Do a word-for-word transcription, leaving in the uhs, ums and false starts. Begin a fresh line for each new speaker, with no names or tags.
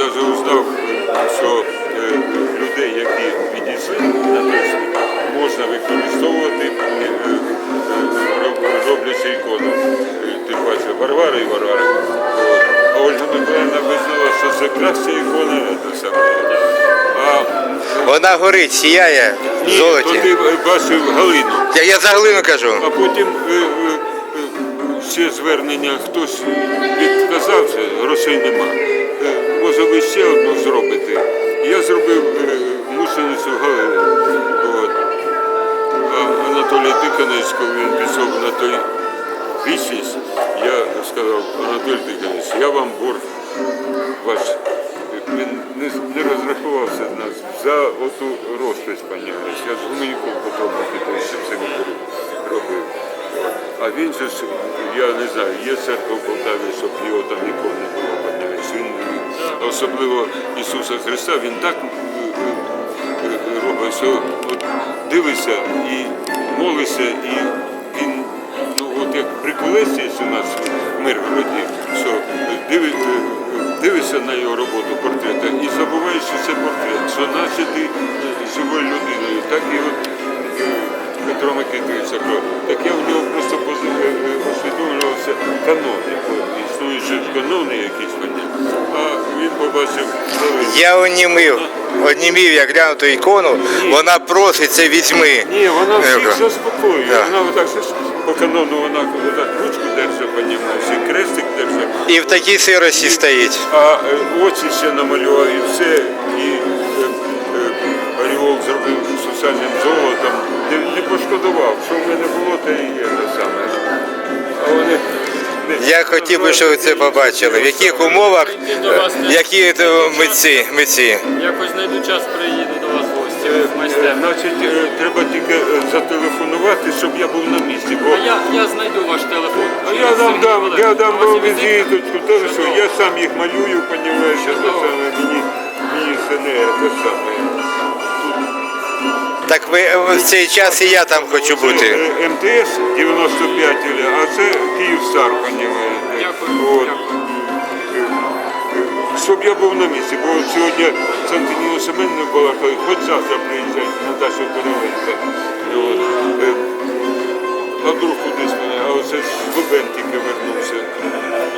навіть узнав, що е, людей, які відійшли на той світ, можна використовувати, е, е, роб- роблячи ікону. Е, Тим паче Варвара і Варвара. От. А Ольга Миколаївна визнала, що це краща ікона, це саме. А
Вона горить, сіяє в
ні, то
золоті.
ти бачив Галину.
Я, я за глину кажу.
А потім е, е, е, ще звернення, хтось відказався, грошей нема. Е, може ви ще одну зробите. Я зробив е, мученицю Галину. От. А Анатолій Тихонович, коли він пішов на той вічність, я сказав: Анатолій Тихонович, я вам борг ваш. Він не, не розрахувався з нас за оту розпис, понімаєш. Я з Гуменюком потім Петровичем це робив. А він же ж, я не знаю, є церква в Полтаві, щоб його там ніколи не було, понімаєш. Він, особливо Ісуса Христа, він так робить, що от дивишся і молишся, і він, ну от як при Колесі у нас в Миргороді, що диви, дивишся на його роботу портрета і забуваєш, що це портрет, що наче ти живою людиною. Так і от Петро Микитович, так я в нього просто усвідомлювався канони, існуючі канони якісь мені, а він побачив.
Я онімив, онімів, я гляну ту ікону,
Ні.
Вона просить, це візьми.
Ні, вона всіх
Е,
заспокоює.
Да.
Вона отак по канону вона отак ручку держить, понімаєш, і крестик держить.
І в такій сирості стоїть.
А е, очі ще намалював і все, і е, е, ореол зробив сусальним золотом. Не, не пошкодував, що в мене було, те і є те саме. А вони не-
Я хотів би, щоб ви це побачили. В яких умовах, е, які це митці, митці.
Якось знайду час, приїду до вас в гості в
Е,
майстерню.
Значить, е, треба тільки е, зателефонувати, щоб я був на місці. Бо
А я, я знайду ваш телефон.
А я дам, дам, я дам
У вас
вам
є візитка?
візиточку, теж що я сам їх малюю, понімаєш, це саме, мені, мені це не те саме.
Так ви е, в цей час і я там хочу
Це
бути.
е, ем те ес дев'яносто п'ять, а це Київстар, понімаєте.
Дякую,
От.
дякую.
Е, е, Щоб я був на місці, бо от сьогодні з Антоніном Семеновим була, хоч завтра приїжджають на Дашу Переленка. От. Е, А вдруг кудись мене, а оце з Лубен тільки вернувся.